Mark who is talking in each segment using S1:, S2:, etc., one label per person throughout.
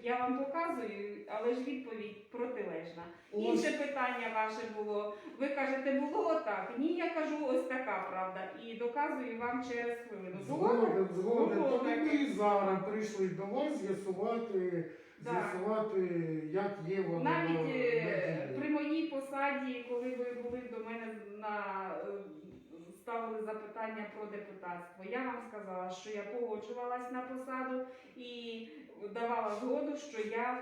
S1: я вам показую, але ж відповідь протилежна. Інше питання ваше було, ви кажете, було отак. Ні, я кажу, ось така правда. І доказую вам через хвилину.
S2: Згоден.
S1: Було
S2: Тому
S1: таке.
S2: ми і зараз прийшли до вас з'ясувати, як є воно.
S1: Навіть при моїй посаді, коли ви були до мене ставили запитання про депутатство, я вам сказала, що я погоджувалась на посаду і давала згоду, що я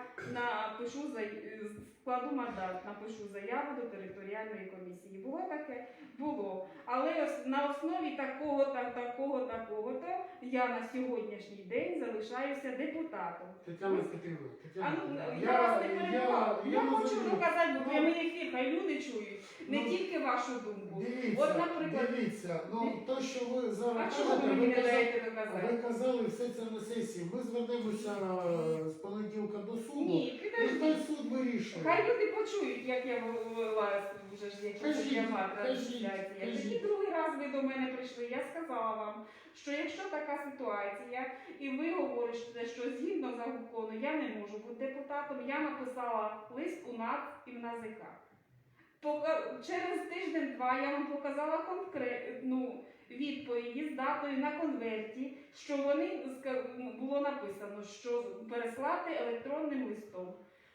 S1: складу мандат, напишу заяву до територіальної комісії. Було таке? Було. Але на основі такого-то я на сьогоднішній день залишаюся депутатом.
S2: Тетяна Петрівна,
S1: Я вас не перебувала. Я хочу
S2: розумію.
S1: доказати, бо прямий ефір, хай люди чують не тільки вашу думку. От, наприклад,
S2: Дивіться, то, що ви зараз
S1: а чого ви мені не даєте доказати?
S2: ви казали все це на сесії. Ми звернемося з понеділка до суду.
S1: Ні,
S2: І
S1: підожди.
S2: хай суд вирішує.
S1: Хай люди почують, як я вела вже ж якісь трансляції. Тоді другий раз ви до мене прийшли, я сказала вам, що якщо така ситуація, і ви говорите, що згідно закону я не можу бути депутатом, я написала лист у НАЦ і в НАЗК. Через тиждень-два я вам показала конкретну відповіді з датою на конверті, що було написано, що переслати електронним листом.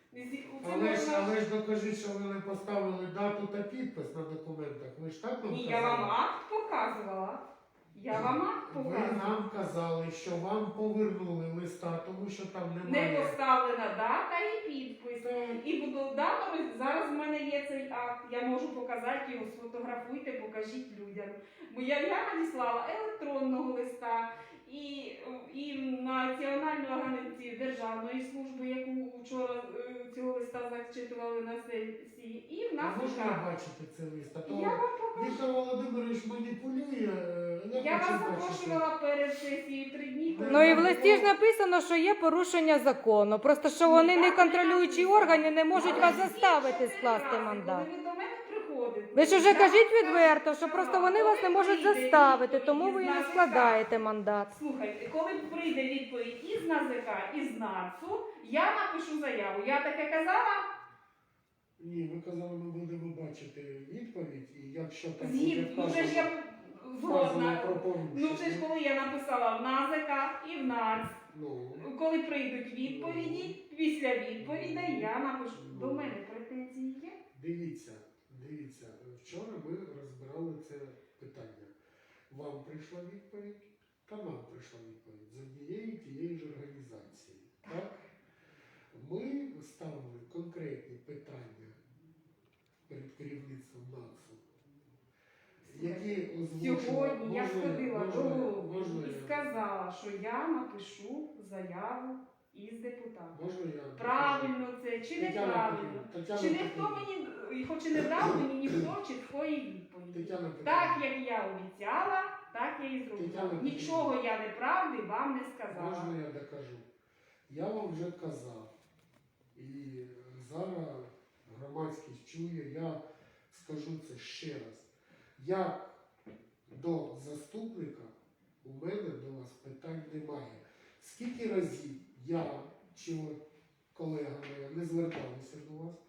S2: Але ж докажіть, що ви не поставили дату та підпис на документах. Ви ж так нам
S1: Ні,
S2: казали?
S1: я вам акт показувала. Я вам акт
S2: Ви
S1: показувала.
S2: нам казали, що вам повернули листа, тому що там немає.
S1: Не поставлена дата і підпис. І буду зараз в мене є цей акт, я можу показати його, сфотографуйте, покажіть людям. Бо я надіслала електронного листа і Національну агенцію Державної служби, яку вчора цього листа зачитували на сесії, і в нас
S2: Можна бачити цей лист? А то
S1: я вам покажу.
S2: Віктор Володимирович маніпулює.
S1: Я вас
S2: хочу бачити.
S1: запрошувала перед сесією 3 дні. коли
S3: Ну і в
S1: було-
S3: листі ж написано, що є порушення закону. Просто що вони не контролюючі органи не можуть вас заставити скласти мандат.
S1: Коли ви до мене приходите,
S3: Ви ж уже
S1: я
S3: кажіть
S1: вам
S3: відверто, що
S1: сказала,
S3: просто вони вас не
S1: коли
S3: можуть
S1: прийде
S3: заставити,
S1: відповідь
S3: тому ви і
S1: із
S3: не
S1: НАЗК,
S3: складаєте мандат.
S1: Слухайте, коли прийде відповідь із НАЗК, із НАЦУ, я напишу заяву. Я таке казала?
S2: Ні, ви казали, ми будемо бачити відповідь, і якщо там
S1: Згідно. Ну, це ж я
S2: вказано
S1: згодна.
S2: про порушення.
S1: Ну, це ж коли я написала в НАЗК і в НАЦ.
S2: Ну,
S1: Коли прийдуть відповіді, після відповідей я напишу. До мене претензії є?
S2: дивіться, вчора ми розбирали це питання. Вам прийшла відповідь, та нам прийшла відповідь з однієї тієї ж організації. Так? Ми ставили конкретні питання перед керівництвом НАЦУ, які озвучили.
S1: Сьогодні я сходила до голови
S2: можна
S1: і
S2: я-
S1: сказала, що я напишу заяву із депутатом.
S2: Можна я?
S1: Правильно це чи
S2: Тетяна
S1: неправильно?
S2: Петрівна,
S1: Чи ніхто мені, хоч і не дав мені ніхто чіткої відповіді.
S2: Тетяна Петрівна.
S1: Так, як я обіцяла, так я і
S2: Тетяна
S1: зробила.
S2: Петрівна.
S1: Нічого я неправди вам не сказала.
S2: Можна я докажу? Я вам вже казав, і зараз громадськість чує, я скажу це ще раз. Як до заступника у мене до вас питань немає. Скільки разів я чи от колега моя не зверталися до вас,